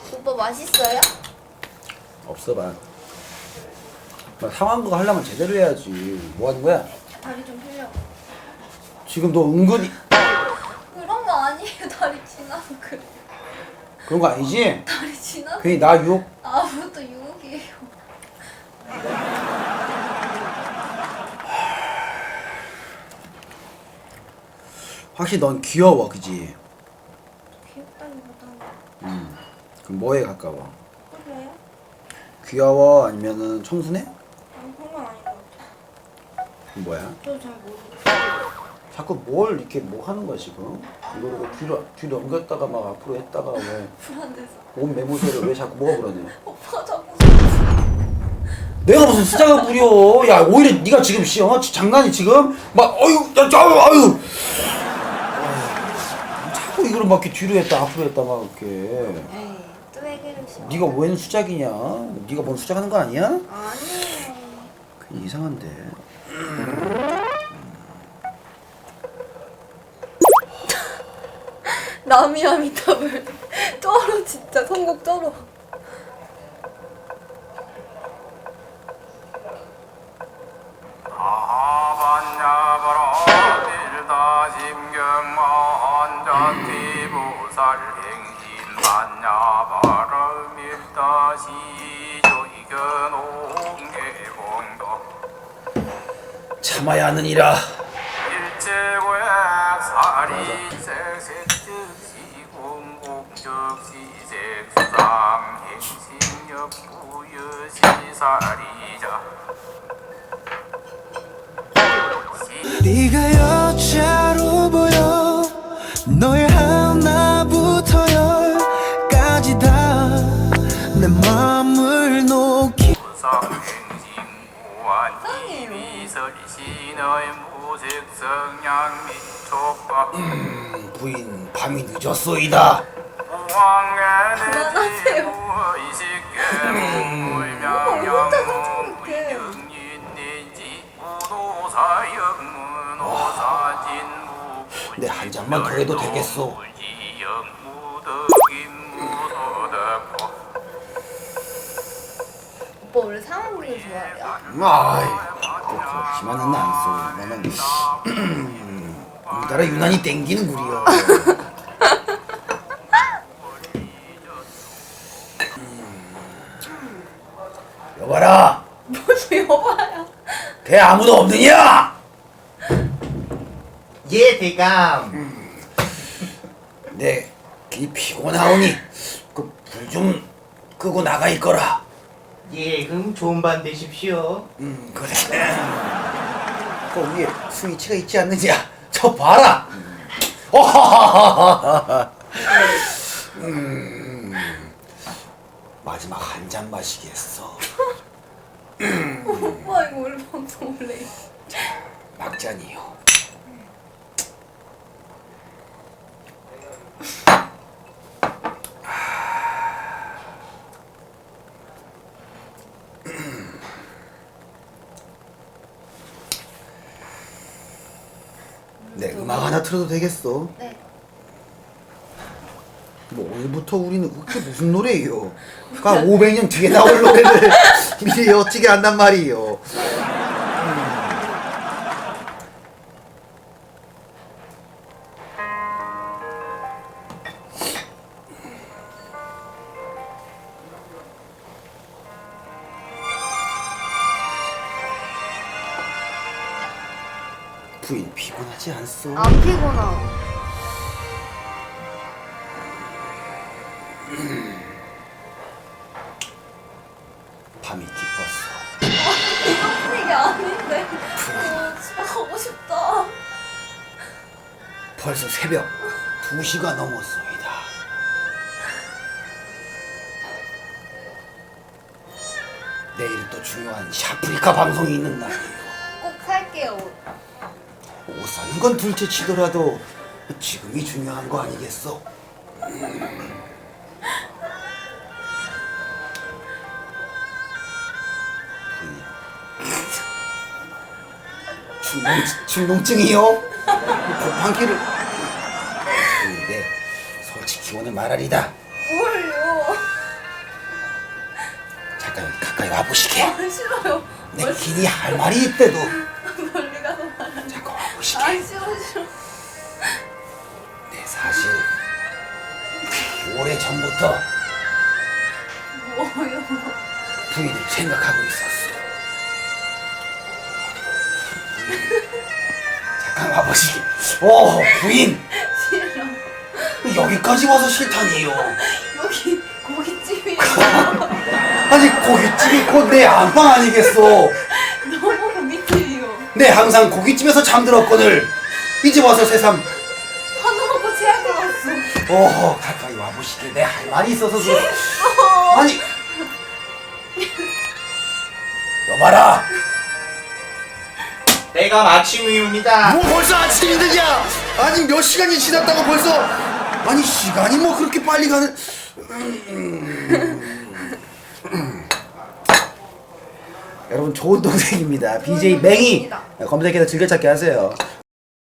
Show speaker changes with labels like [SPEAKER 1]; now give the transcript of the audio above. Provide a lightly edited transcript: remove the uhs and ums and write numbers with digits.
[SPEAKER 1] 오빠 맛있어요?
[SPEAKER 2] 없어 봐. 상황극 하려면 제대로 해야지. 뭐 하는 거야?
[SPEAKER 1] 다리 좀 펴려고.
[SPEAKER 2] 지금 너 은근히
[SPEAKER 1] 그런 거 아니에요. 다리 지나고 그래.
[SPEAKER 2] 그런 거 아니지?
[SPEAKER 1] 다리 지나고.
[SPEAKER 2] 괜히 나 유혹.
[SPEAKER 1] 아무것도 유혹이에요.
[SPEAKER 2] 확실히 넌 귀여워, 그지?
[SPEAKER 1] 귀엽다기보다는.
[SPEAKER 2] 그럼 뭐에 가까워?
[SPEAKER 1] 그래요?
[SPEAKER 2] 귀여워 아니면은 청순해?
[SPEAKER 1] 그런 건 아닌 것 같아요.
[SPEAKER 2] 그럼 뭐야?
[SPEAKER 1] 저도 잘 모르겠어요.
[SPEAKER 2] 자꾸 뭘 이렇게 뭐 하는 거야 지금? 이거를 왜 뒤로 넘겼다가 막 앞으로 했다가 왜
[SPEAKER 1] 불안해서.
[SPEAKER 2] 몸 매무새를 왜 자꾸 뭐가 불안해?
[SPEAKER 1] 오빠 자꾸
[SPEAKER 2] 내가 무슨 수작을 부려? 야 오히려 네가 지금 장난이 지금 막 어유 아유 자꾸 이거를 막 이렇게 뒤로 했다 앞으로 했다 막 이렇게.
[SPEAKER 1] 에이, 또 왜 그러시오?
[SPEAKER 2] 네가 웬 수작이냐? 네가 뭔 수작하는 거 아니야?
[SPEAKER 1] 아니에요.
[SPEAKER 2] 그게 이상한데.
[SPEAKER 1] 나미아미타불 쩔어 진짜 선곡 쩔어.
[SPEAKER 2] 참아야 하느니라.
[SPEAKER 3] 네가 여자로 보여. 너의 하나부터 열까지 다 내 맘을 녹이.
[SPEAKER 2] 부인 밤이 늦었소이다.
[SPEAKER 1] 그만하세요. 오빠 혼자 사진 못해.
[SPEAKER 2] 내 한 잔만 더 해도 되겠소.
[SPEAKER 1] 오빠 원래 상황극을 좋아해요?
[SPEAKER 2] 아이, 그렇지만은 않소. 나는 우리나라 유난히 땡기는 구리여. 여봐라,
[SPEAKER 1] 무슨 여봐요?
[SPEAKER 2] 배 아무도 없느냐?
[SPEAKER 4] 예, 대감.
[SPEAKER 2] 내귀 피곤하오니 그 불 좀 끄고 나가 있거라.
[SPEAKER 4] 예, 그럼 좋은 밤 되십시오.
[SPEAKER 2] 그래. 그 위에 스위치가 있지 않느냐? 저 봐라. 마지막 한 잔 마시겠어.
[SPEAKER 1] 오빠 이거 원래 방송 원래
[SPEAKER 2] 막잔이요. 네, 음악 하나 틀어도 되겠어?
[SPEAKER 1] 네.
[SPEAKER 2] 뭐 오늘부터 우리는 그게 무슨 노래예요? 그러니까 500년 뒤에 나올 노래를 미리 어찌게 한단 말이에요. 부인 피곤하지 않소?
[SPEAKER 1] 안 피곤하고.
[SPEAKER 2] 밤이 깊었어.
[SPEAKER 1] 이런 분위기 아닌데. 집에 가고 싶다.
[SPEAKER 2] 벌써 새벽 2시가 넘었소이다. 내일 또 중요한 샤프리카 방송이 있는 날이에요.
[SPEAKER 1] 꼭 살게요. 옷.
[SPEAKER 2] 옷 사는 건 둘째 치더라도 지금이 중요한 거 아니겠어? 충농증이요? 방귀를 근데 솔직히 오늘 말하리다.
[SPEAKER 1] 뭘요?
[SPEAKER 2] 가까이 와보시게.
[SPEAKER 1] 아 싫어요.
[SPEAKER 2] 내 길이 할 말이 있대도.
[SPEAKER 1] 멀리 가서 말하는.
[SPEAKER 2] 잠깐 와보시게.
[SPEAKER 1] 아 싫어.
[SPEAKER 2] 내 사실 오래 전부터
[SPEAKER 1] 뭐요?
[SPEAKER 2] 부인을 생각하고 있었어. 잠깐 와보시게. 오 부인.
[SPEAKER 1] 싫어.
[SPEAKER 2] 여기까지 와서 싫다니요.
[SPEAKER 1] 여기 고깃집이에요.
[SPEAKER 2] 아니 고깃집이 곧 내 안방 아니겠어.
[SPEAKER 1] 너무 고깃집이요.
[SPEAKER 2] 내 항상 고깃집에서 잠들었거늘 이제 와서 새삼
[SPEAKER 1] 한우 먹고 제약을 왔어.
[SPEAKER 2] 가까이 와보시게. 내 할 말이 있어서 그래. 아니 여봐라.
[SPEAKER 4] 내가 아침입니다.
[SPEAKER 2] 뭐 벌써 아침이 되냐? 아니 몇 시간이 지났다고 벌써. 아니 시간이 뭐 그렇게 빨리 가는. 여러분 좋은 동생입니다. BJ 맹이 검색해서 즐겨찾기 하세요.